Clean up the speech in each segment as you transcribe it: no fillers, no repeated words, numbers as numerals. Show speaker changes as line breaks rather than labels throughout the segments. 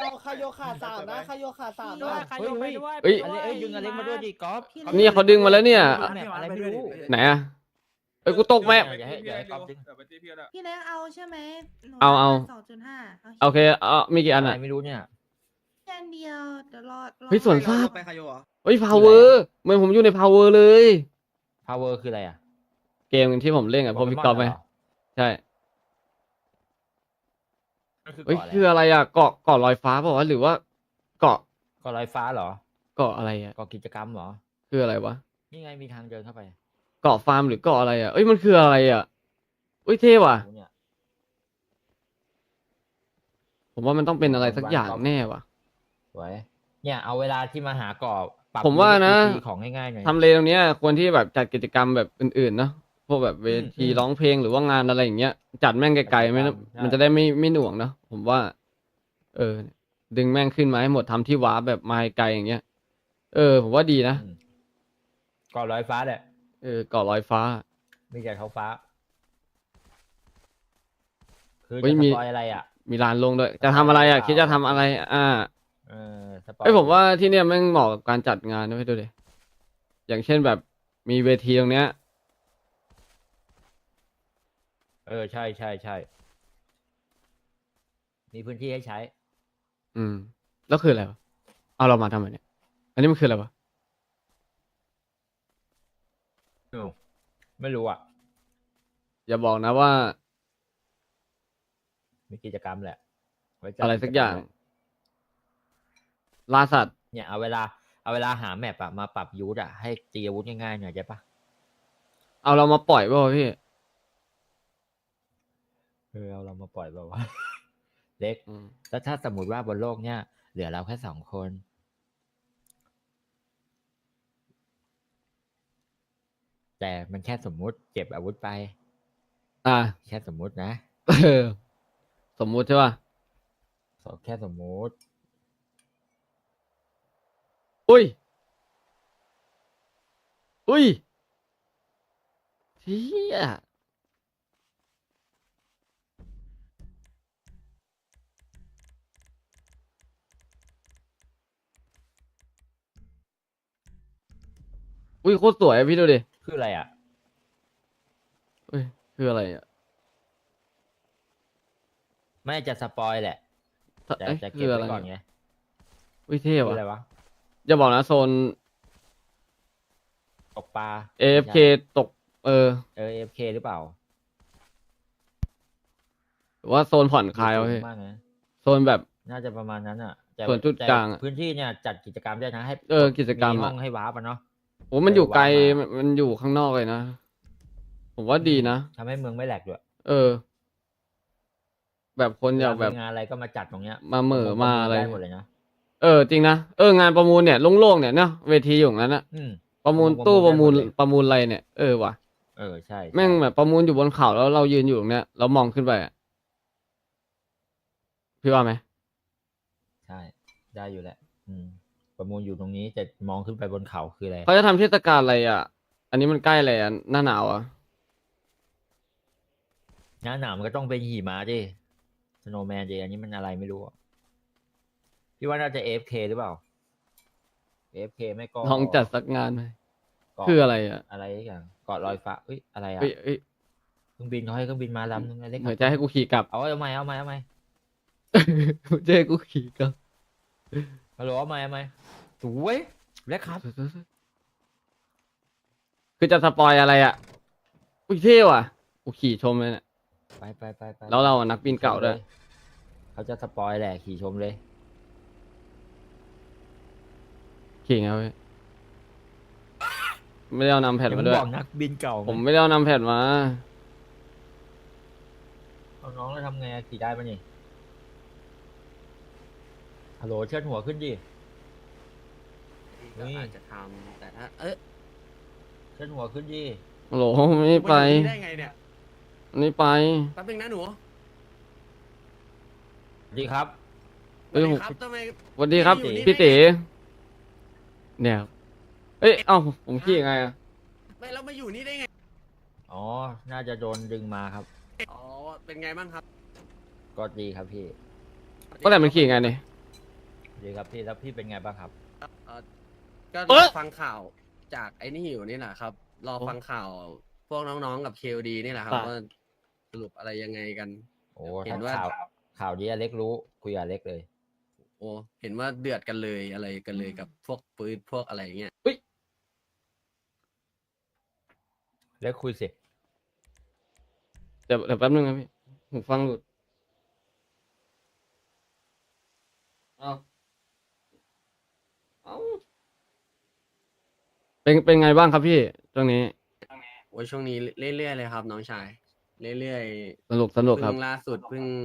เอาคาโยขาสามนะคาโยขาสาม
ด้ว
นะ
ยใครยกไปด้วย
เอ้ย
ไปด้วย
ดึงอเล็กมาด้วยดิก๊อฟ
นี่เขาดึงมาแล้วเนี่ย
แมปอะไรไม่รู้
ไหนอะเอ้ยกูตกแม่
อย่าให้ก๊อฟดึง
พี่เล็กเอาใช่ไหมหนู
เอา
2.5
โอเคมีกี่อัน
อะไร
อะ
ไม่รู้เนี่ย
แค่เดียวเดี๋ยวรอ
เฮ้ยสวนสัตว์
ไปคาโยเหรอ
เฮ้ยพาวเวอร์เหมือนผมอยู่ในพาวเวอร์เลย
power คืออะไรอ่ะ
เกมที่ผมเล่นกับพวกพี่กอล์ฟไหมใช่เฮ้ยคืออะไรอะเกาะลอยฟ้าเปล่าวะหรือว่าเกาะ
ก็ลอยฟ้าเหรอ
เกาะอะไรอะ
ก็กิจกรรมเหรอ
คืออะไรวะ
นี่ไงมีทางเดินเข้าไป
เกาะฟาร์มหรือเกาะอะไรอะเอ้ยมันคืออะไรอะเอ้ยเท่ว่ะ
เนี่ย
ผมว่ามันต้องเป็นอะไรสักอย่างแน่ว่ะ
สวยเนี่ยเอาเวลาที่มาหากรอบปรับ
ผมว่านะ
วิธีของง่ายๆหน่อย
ทำเลตรงเนี้ยควรที่แบบจัดกิจกรรมแบบอื่นๆเนาะพวกแบบเวทีร้องเพลงหรือว่างานอะไรอย่างเงี้ยจัดแม่งไกลๆไม่นะมันจะได้ไม่หน่วงเนาะผมว่า ดึงแม่งขึ้นมาให้หมดทำที่ว้าแบบมาไกลอย่างเงี้ยผมว่าดีนะ
ก็ลอยฟ้าแหละ
เกาะลอยฟ้า
มีแต่ท้องฟ้า คือ
เฮ้
จะ
ย
ส
มี
ปอยอะไรอ่ะ
มีลานลงด้วยจะทำอะไรอ่ะคิดจะทำอะไร
สปอย
ผมว่าที่เนี่ยแม่งเหมาะกับการจัดงานด้วยดูดิอย่างเช่นแบบมีเวทีตรงเนี้ย
ใช่ใช่ใช่มีพื้นที่ให้ใช้
แล้วคืออะไรวะเอาเรามาทำไมเนี่ย อันนี้มันคืออะไรวะ
ไม่รู้อ่ะ
อย่าบอกนะว่า
มีกิจกรรมแหละว้จัด
อะไรสักอย่าง
จรรม
ล่าสัตว์
เนี่ยเอาเวลาหาแมปอะมาปรับยูทอะให้ตีอาวุธง่ายๆหน่อยใช่ปะ
เอาเรามาปล่อยป่าวะพี่
เอาเรามาปล่อยแบบว่า เล็ก
อืม
แล้วถ้าสมมติว่าบนโลกเนี่ยเหลือเราแค่2 คน แต่มันแค่สมมุติเก็บอาวุธไป แค่สมมุตินะ
สมมุติใช่ป่ะ
แค่สมมุติ
อุ้ยเฮียโคตรสวยอะพี่ดูดิ
คืออะไรอะ
คืออะไรอ่ะ
ไม่จะสปอยแหละแต่จะเก็บ
คืออะไร
ไว้ก่อนไง
เท่
คือ
ว่ะ
อะไรวะ
อย่าบอกนะโซน
ตกปลา
AFK ตก
AFK หรือเปล่า
หรือว่าโซนผ่อนคลายวะพี่
มากนะ
โซนแบบ
น่าจะประมาณนั้นอ่ะแต่
ส่วนจุดกลางอะ
แต่พื้นที่เนี่ยจัดกิจกรรมได้นะให้
กิจกรรม
ห้
อะ
องให้ว้าปะเนาะ
โอ้มันอยู่ไกล
วางมา
มันอยู่ข้างนอกเลยนะ ผมว่าดีนะ
ทำให้เมืองไม่แหลกด้วย
แบบคนอยากแบบ
มีงานอะไรก็มาจัดตรงเนี้ย
มาเหม่อมาอะไร
ได้หมดเลยนะ
จริงนะงานประมูลเนี่ยโล่งๆเนี่ยเนาะเวทีอยู่ตรงนั้นนะ
อืม
ประมูล
ประมูล
ตู้ประมูล
ได้หมดเลย
ประมูลอะไรเนี่ยว่ะ
ใช่
แม่งแบบประมูลอยู่บนเขาแล้วเรายืนอยู่ตรงเนี้ยเรามองขึ้นไปอะพี่ว่าไหม
ใช่ได้อยู่แหละประมูลอยู่ตรงนี้แต่มองขึ้นไปบนเขาคืออะไร
เขาจะทำเทศกาลอะไรอ่ะ อันนี้มันใกล้อะไรอ่ะหน้าหนาวอ่ะ
หน้าหนาวมันก็ต้องเป็นหิมะดิสโนว์แมนดิอันนี้มันอะไรไม่รู้อะพี่ว่าน่าจะ AFK หรือเปล่า AFK ไม่ก็
ลองจัดสักงานไหม
เกาะ
คืออะไรอ่ะ
อะไรอย่างเกาะลอยฟ้าอะไรอะ
เอ้ย
เครื่องบินเขาให้เครื่องบินมาลำนึงเล็ก
เหมือนจะให้กูขี่กลับ
เอาไหม
จะให้กูขี่กลับ
ฮัลโหลเอาไหมสวยเล็กครับ
คือจะสปอยอะไรอ่ะอุ้ยเท่ว่ะกูขี่ชมเลยเนี่ย
ไป
แล้วเราอะนักบินเก่าด้วย
เขาจะสปอยแหละขี่ชมเลย
ขี่ไงเว้ยไม่ได้เอานำแผ่นมาด้วย
บอกนักบินเก่า
ผมไม่ได้เอานำแผ่นมา
เอาน้องแล้วทำไงอะขี่ได้ปะนี่ฮัลโหลเชิดหัวขึ้นดิ
ก็อาจจะทำแต่ถ้า
เชิดหัวขึ้นดิ
โหลไม่ไป
ได้ไงเนี่ย
ไม่ไป
แป๊บนึงนะหนู
สวัสดีครับ
เอ้ย
ครับทำไม
สวัสดีครับ
อยู่นี่
พี่
ได้
ตี
ไง
เนี่ยผมขี่ยังไงอ่ะ
ไม่แล้วมาอยู่นี่ได้ไง
อ๋อ น่าจะโดนดึงมาครับ
อ๋อเป็นไงบ้างครับ
ก็ดีครับพี่
ก็แต่มันขี่ยังไงเนี่ย
ดีครับพี่แล้วพี่เป็นไงบ้างครับ
เอ่อก็
เอ๊ะ
ฟังข่าวจากไอ้นี่อยู่นี่แหละครับ รอ
โอ้
ฟังข่าวพวกน้องๆกับเคลดีนี่แหละครับ
ครับ
ว่าสรุปอะไรยังไงกัน
โอ้
เห็
ถ้าน
ว่า
ข่าวนี้อเล็กรู้คุยกับอเล็กเลย
โอ้เห็นว่าเดือดกันเลยอะไรกันเลยกับพวกปืนพวกอะไรเงี้ย
เล็กคุยสิ
เดี๋ยวแป๊บนึงนะพี่หูฟังหลุดเอาเอาเป็นไงบ้างครับพี่ตรงนี้
โอ้ยช่วงนี้เรื่อยๆเลยครับ น้องชายเรื่อย
สนุก
ๆ
ครับ
เพิ่งล่าสุดเพิ่ง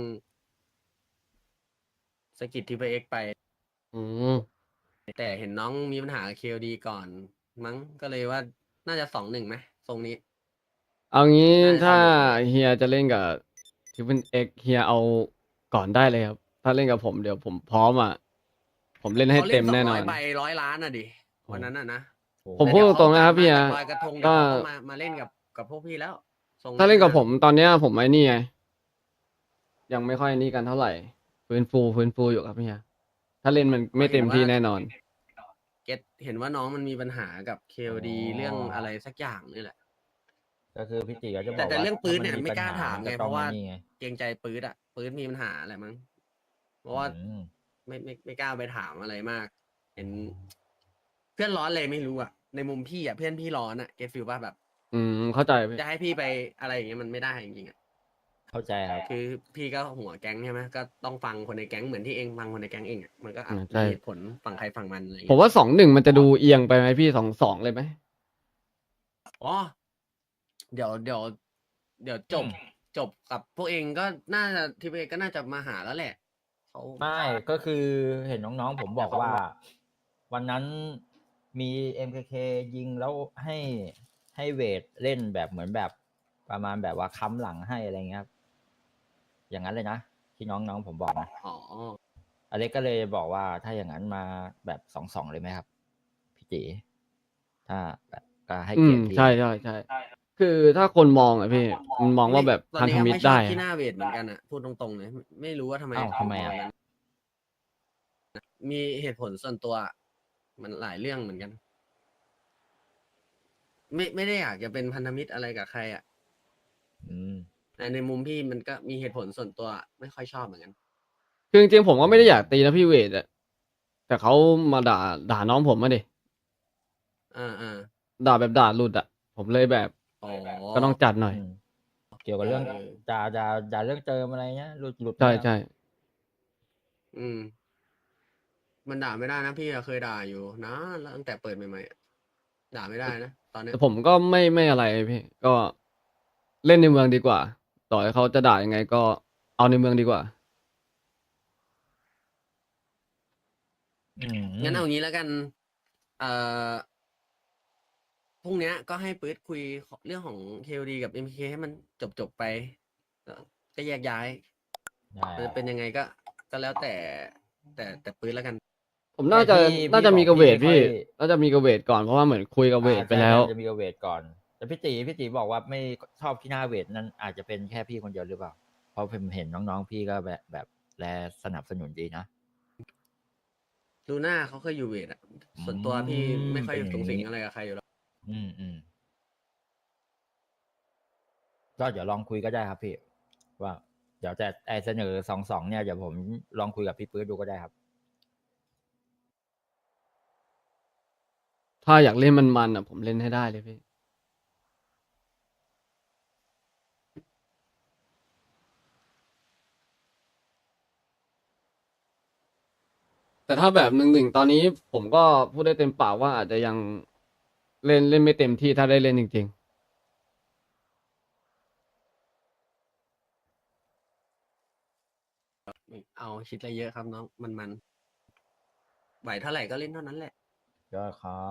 สกิทที่ไปเอ็กไป
อืม
แต่เห็นน้องมีปัญหาเคลดีก่อน มั้งก็เลยว่าน่าจะ2-1ไหมทรงนี้
เอางี้
น่าจะ
ถ้า
สนุก
เฮียจะเล่นกับทิปเปิลเอ็กเฮียเอาก่อนได้เลยครับ ถ้าเล่นกับผมเดี๋ยวผมพร้อมอ่ะ ผมเล่นให้
เขา
เต็มแน่นอน
200 ใบ100 ล้านอ่ะดิวันนั้นอ่ะนะ
ผม
แต่
พูด
เดี๋ยว
ตรงๆนะครับ
เขา
พี่
กลั
ฮะ
มาจากลอยกระทง
ก็
เดี๋ยวเขาก็มาเล่นกับพวกพี่แล้วทรง
ถ้าเล่นกับ
ะ
ผมตอนเนี้ยผมไอ้นี่ไงยังไม่ค่อยนี่กันเท่าไหร่ฟื้นฟูอยู่ครับพี่ฮะถ้าเล่นมันไม่เต็มที่แน่นอน
เก็ตเห็นว่าน้องมันมีปัญหากับเคลดีเรื่องอะไรสักอย่างนี่แหละ
ก็คือพี่ติก็จะบอก
แต่
ว่า
เรื่องปืน
ถ้
เนี่ย
น
ไม่กล้า
ปัญห
ถามไง
ก็
เพ
ต้อง
ราะว่า
นี่ไง
เกรงใจปืนอ่ะปืนมีปัญหาอะไรมั้งเพราะว่า
อืม
ไม่กล้าไปถามอะไรมาก เห็น เพื่อนร้อนเลยไม่รู้อ่ะในมุมพี่อ่ะเพื่อนพี่ร้อนอ่ะเก็ตฟิลป่ะแบบ
อืมเข้าใจพี่
จะให้พี่ไปอะไรอย่างเงี้ยมันไม่ได้จริงๆอ่ะ
เข้าใจครับ
คือพี่ก็หัวแก๊งใช่ไหมก็ต้องฟังคนในแก๊งเหมือนที่เองฟังคนในแก๊งเองอ่ะมันก็อาจ
ใช่
มีเหตุผลฝั่งใครฝั่งมันอะไรอย่าง
ผม
เงี้ย
ว่า2-1มันจะดูเอียงไปไหมพี่2-2เลยไหม
อ๋อเดี๋ยวจบกับพวกเองก็น่าจะทีมเองก็น่าจะมาหาแล้วแหละเขา
ไม่ก็คือเห็นน้องๆผมบอกว่า วันนั้นมี MKK ยิงแล้วให้เวทเล่นแบบเหมือนแบบประมาณแบบว่าค้ำหลังให้อะไรเงี้ยครับอย่างนั้นเลยนะที่น้องๆผมบอกนะ
อ๋อ
อเล็กก็เลยบอกว่าถ้าอย่างนั้นมาแบบ2-2เลยไหมครับพี่จีถ้าแบบก็ให้
อื
เกีย
ม
รติพี่
ใช่คือถ้าคนมองอะพี่มันมองว่าแบบ
ตอน
พัน
นี้
ธ
ก็
มิตร
ไม่ชอ
ได้
บที่ห
อะ
น้าเวทเหมือนกันอ่ะพูดตรงๆเลยไม่รู้ว่าทำไม
อ้าวทำไมอะ
ถึงมงนั้นมีเหตุผลส่วนตัว มันหลายเรื่องเหมือนกัน ไม่ได้อยากจะเป็นพันธมิตรอะไรกับใครอ่ะ
อืม
แต่ในมุมพี่มันก็มีเหตุผลส่วนตัวไม่ค่อยชอบเหมือนกัน
คือจริงๆผมก็ไม่ได้อยากตีนะพี่เวทอะแต่เขามาด่าน้องผมมาดิ
อ่า
ด่าแบบด่าหลุดอะผมเลยแบบ
อ๋อ
ก็ต้องจัดหน่อย
อืมเกี่ยวกับเรื่อง
เออ
ด่าเรื่องเติมอะไรเงี้ยหลุด
ใช่
ไหมครับ
ใช่
อืม มันด่าไม่ได้นะพี่อะเคยด่าอยู่นะแล้วตั้งแต่เปิดใหม่ๆอะด่าไม่ได้นะตอนเนี้ย
แต่ผมก็ไม่อะไรพี่ ก็เล่นในเมืองดีกว่า ต่อให้เขาจะด่ายังไงก็เอาในเมืองดีกว่า
อืม
งั้นเอางี้แล้วกัน เอ่อพรุ่งเนี้ยก็ให้ปื๊ดคุยเรื่องของ KOD กับ MK ให้มันจบไปแล้วก็แยกย้าย
ได้
มันจะเป็นยังไงก็แล้วแต่ปื๊ดแล้วกัน
ผมน่าจะ
แต่พี่
น่าจะมี
บ
กระเวท
ไม่ค่
พี่
อย
น่าจะมีกระเวทก่อนเพราะว่าเหมือนคุยกับเวทไปแล้ว
จะมีกับเวทก่อน แต่พี่ตีบอกว่าไม่ชอบที่หน้าเวทนั้นอาจจะเป็นแค่พี่คนเดียวหรือเปล่า เพราะผมเห็นน้องๆพี่ก็แบบแลสนับสนุนดีนะ
ลูน่าเขาเคยอยู่เวทอะส่วนตัวพี่ไม่ค่อย
เป็นอย่าง
สูงสิง
นี้
อะไรกับใครอยู่แล้ว
อืมก็เดี๋ยวลองคุยก็ได้ครับพี่ ว่า เดี๋ยวจะเสนอ2-2เนี่ยเดี๋ยวผมลองคุยกับพี่ปื๊ดดูก็ได้ครับ
ถ้าอยากเล่นมันๆอ่ะ ผมเล่นให้ได้เลยพี่ แต่ถ้าแบบ1-1ตอนนี้ผมก็พูดได้เต็มปากว่าอาจจะยังเล่นไม่เต็มที่ถ้าได้เล่นจริง
เอาคิดอะไรเยอะครับน้องมันไหวเท่าไหร่ก็เล่นเท่านั้นแหละ
ก็ครับ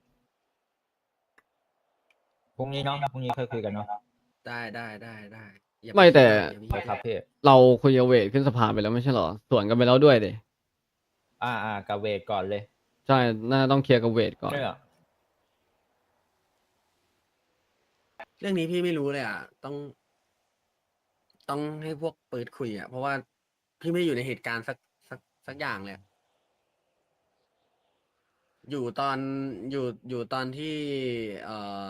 พรุ่งนี้เนาะพรุ่งนี้ค่อยคุยกันเนาะ
ได้อย่า
ไม่แต่
อย่าไป
ไป
คิด
ครับพี่
ๆ เราคุยกับเวทขึ้นสภาไปแล้วไม่ใช่เหรอสวนกันไปแล้วด้วยเด
กับเวทก่อนเลย
ใช่น่าต้องเคลียร์กับเวทก่อน
ใช่เหรอ
เรื่องนี้พี่ไม่รู้เลยอ่ะ ต้องให้พวกปืดคุยอ่ะ เพราะว่าพี่ไม่ได้อยู่ในเหตุการณ์สักอย่างเลยอะอยู่ตอนอยู่ตอนที่เอ่อ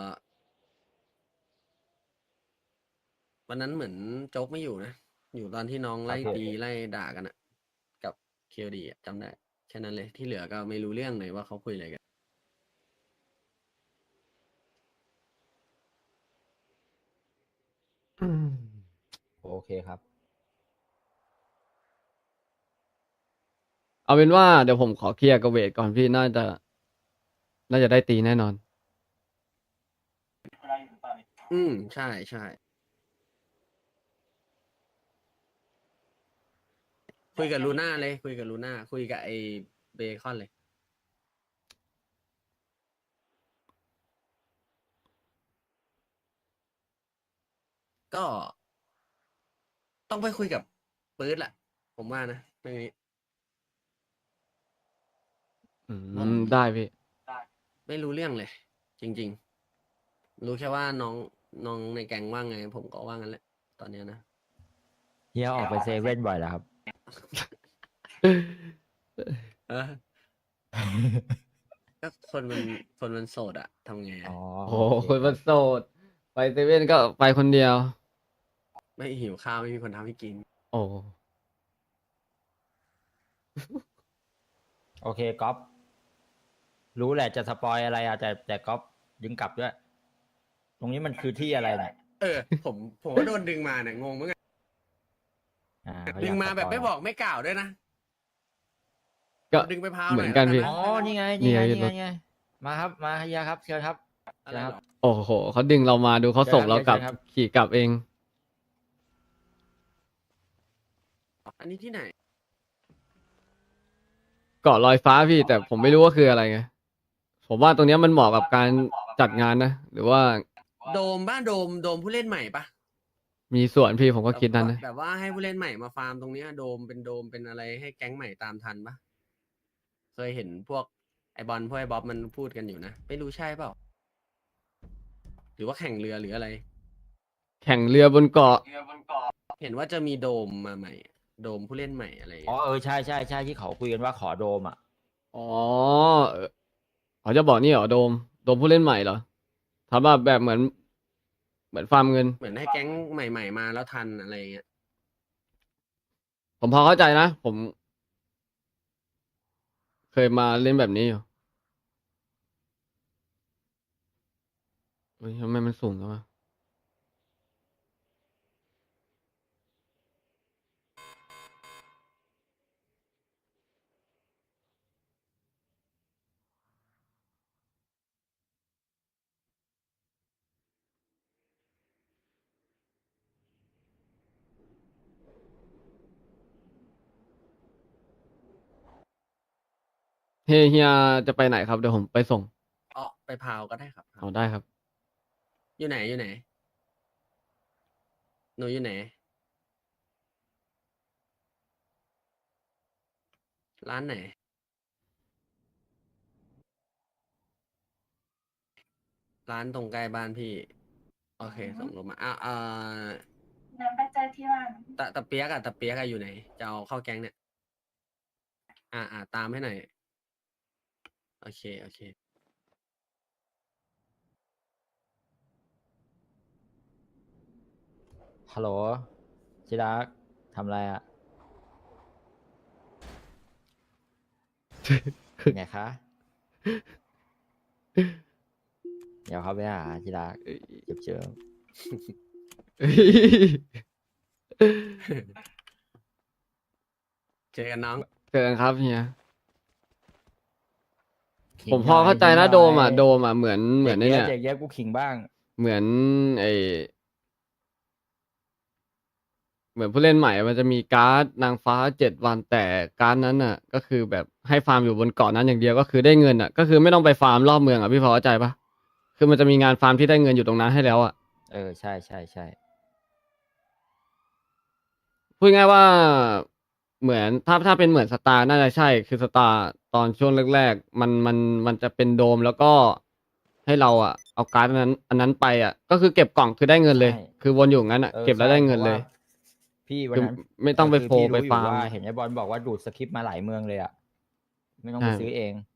วันนั้นเหมือนโจ๊กไม่อยู่นะ อยู่ตอนที่น้องไล่ตีไล่ด่ากันอะกับเคลดีจำได้แค่นั้นเลยที่เหลือก็ไม่รู้เรื่องเลยว่าเขาคุยอะไรกัน
อืม
โอเคครับ
เอาเป็นว่าเดี๋ยวผมขอเคลียร์กับเวทก่อนพี่น่าจะได้ตีแน่นอน
ใช่ใช่คุยกับลูน่าเลย คุยกับลูน่าคุยกับไอ้เบคอนเลย ก็ ต้องไปคุยกับปื๊ดแหละ ผมว่านะเรื่องนี้
อืมได้พี่
ไม่รู้เรื่องเลย จริง ๆ รู้แค่ว่าน้องในแก๊งว่าไง ผมก็ว่างั้นแหละ ตอนเนี้ยนะ
เฮียออกไปเซเว่นบ่อยแล้วครับ
เออ ก็คนมันโสดอะทำไงอะ
อ๋อ
โอ้โห
โอ
ค
เคน ค
มั
รับ
นโสด ไปเซเว่นก็ไปคนเดียว
ไม่หิวข้าวไม่มีคนทำให้กิน
โอ้
โอเคก๊อฟรู้แหละจะสปอยอะไรอะแต่ก๊อฟดึงกลับด้วย ตรงนี้มันคือที่อะไรเนี่ย
เออ ผมก็โดนดึงมาเนี่ยงงเหมือนกัน
เขา
ดึ
อง ยาก
มา
ส
แบบ
ปย
ไม่บอกไม่กล่าวด้วยนะ
ก็
ดึงไปพาว
เห
ห
มื
น่
อ
อย
นกัน
แล้ว
พี่
นะ
อ๋อ นี่ไง
นี่
นี่ไง
ไง
นี่ไง
รถ
นี่ไงมาครับ มาเฮียครับ เชิญครับ
อะไรหรอ
โอ้โหเขาดึงเรามาดูเขาส่งเรากลับ
เชิญครับ
ขี่กลับเอง
อันนี้ที่ไหน
เกาะลอยฟ้าพี่ แต่ผมไม่รู้ว่าคืออะไรไง ผมว่าตรงเนี้ยมันเหมาะกับการจัดงานนะ หรือว่า
โดมบ้านโดมผู้เล่นใหม่ปะ
มีส่วนพี่ผมก็คิดนั้นนะ
แบบว่าให้ผู้เล่นใหม่มาฟาร์มตรงเนี้ยโดมเป็นอะไรให้แก๊งใหม่ตามทันปะเคยเห็นพวกไอบอลพวกไอบ๊อบมันพูดกันอยู่นะ ไม่รู้ใช่เปล่า หรือว่าแข่งเรือหรืออะไร
แข่งเรือบนเกาะ
เห็นว่าจะมีโดมมาใหม่ โดมผู้เล่นใหม่อะไรอย่าง
อ๋อ
เงี้ย
ใช่ใช่ใช่ที่เขาคุยกันว่าขอโดมอ่ะ
อ๋อเขาจะบอกนี่เหรอโดมผู้เล่นใหม่เหรอทำแบบเหมือนฟาร์มเงิน
เหมือนให้แก๊งใหม่ๆมาแล้วทันอะไรอย่างเงี้ย
ผมพอเข้าใจนะ ผม เคยมาเล่นแบบนี้อยู่เฮ้ยทำไมมันสูงจังวะเฮียจะไปไหนครับเดี๋ยวผมไปส่ง
อ๋อไปพาวก็ได้ครับ
เอาได้ครับ
อยู่ไหนอยู่ไหน หนูอยู่ไหน ร้านไหน ร้านตรงใกล้บ้านพี่ โอเค ส่งลงมา
เดินไปเจอที่ร้าน
ตะเปียกอะอยู่ไหน จะเอาเข้าแก๊งเนี่ย ตามให้หน่อย โอเค โอเค
ฮัลโหลชิรักทำอะไรอ่ะ ไงคะ เดี๋ยวเขาไปหาชิรักเจิม
เจอกันน้อง
เจอกันครับเฮีย
ขิง
ผมพอเข้าใจ
ห
นะ
ย
โดมอ่ะเหมือนไอ้เนี่ย
เด็กเยอะกูขิงบ้าง
เหมือนเหมือนผู้เล่นใหม่มันจะมีการ์ดนางฟ้า7 วันแต่การ์ดนั้นอ่ะ ก็คือแบบให้ฟาร์มอยู่บนเกาะนั้นอย่างเดียวก็คือได้เงินอ่ะ ก็คือไม่ต้องไปฟาร์มรอบเมืองอ่ะพี่พอเข้าใจปะคือมันจะมีงานฟาร์มที่ได้เงินอยู่ตรงนั้นให้แล้วอ่ะ
ใช่ใช่ใช่
พูดง่ายว่าเหมือนถ้าเป็นเหมือนสตาร์น่าจะใช่ คือสตาร์ตอนช่วงแรกๆมันจะเป็นโดมแล้วก็ให้เราอ่ะเอาการ์ดอันนั้นไปอ่ะ ก็คือเก็บกล่องคือได้เงินเลย คือวนอยู่งั้นอ่ะเก็บแล้วได้เงินเลย
พี่วัน
คือ
นั้น
ไม่ต้องไป
คือ
โฟ
พี่
ไป
รู้อยู่
ฟาร์ม
ว่าเห็นไอ้บอลบอกว่าดูดสคริปต์มาหลายเมืองเลยอ่ะ ไม่ต้องไป
ใช่
ซื้อเอง